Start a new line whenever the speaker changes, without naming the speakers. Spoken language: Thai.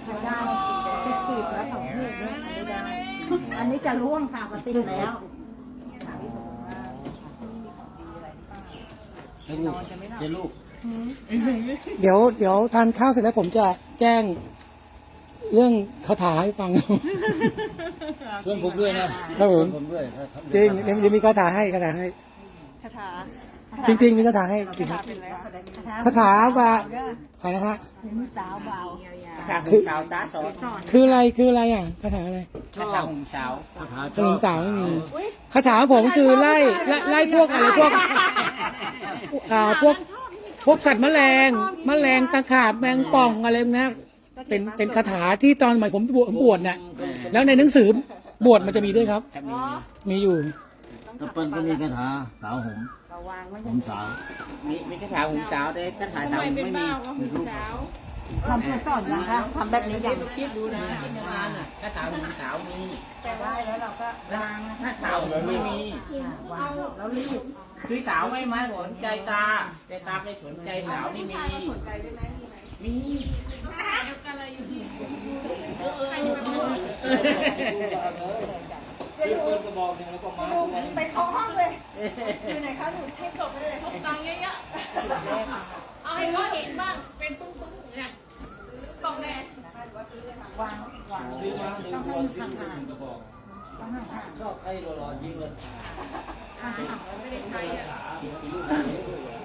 ได้ติดปีกแล้วของพี่เนี่ยไม่ได้อันนี้จะร่วงค่ะมาติดแล้ว
ให้ลูกให้ลูก
เดี๋ยวทานข้าวเสร็จแล้วผมจะแจ้งเรื่องคาถาให้ฟัง
ช่วยผมด้วยนะครับ
ผม
ผมด้วย
จริงเดี๋ยวมีคาถาให้คาถาให้
คาถา
จริงๆมีคาถาให้จริงครับ
เป็นแล้ว
คาถาว่าอะไรนะฮะ
หูสาวเบา
คาถาหุ่นสาวตาสอน
คืออะไรอ่ะคาถาอะไร
คาถาหุ่นสาว
ขนมสาวไม่มีคาถาผมคือไล่พวกอะไรพวกพวกสัตว์แมลงตะขาบแมงป่องอะไรนะเป็นคาถาที่ตอนใหม่ผมบวชน่ะแล้วในหนังสือบวชมันจะมีด้วยครับ
จะมี
มีอยู่
ตะเปิ้ลก็มีคาถาสาวหงผมสาว
มีคาถาหุ่นสาวแต่คาถาสาวไม่มี
ทำเพื่อสอนนะคะทำแบบนี้อย่าง
คิดดูนะคิดในงานอ่ะคาถาหุ่นสาวมี
แต่ได้แล้วเราก็วาง
ถ้าสาวไม่มี
วางแล้วรีบ
คือสาวไม่มาสนใจตาแต่ตาไม่สนใจสาวนี่มีมี
ไปเข้าห้องเลยอยู่ไหนคะหนูให้จบไปเลย
ตังค์เยอะๆเอาให้เขาเห็นบ้าง เป็นปึ้งๆเนี่ยกล่องแดง
วางต้องให้ห่างๆต้องห่าง
ชอบใครหล่อๆยิงเลย
ๆห่างๆแล้วไม่ได้ใช้อะ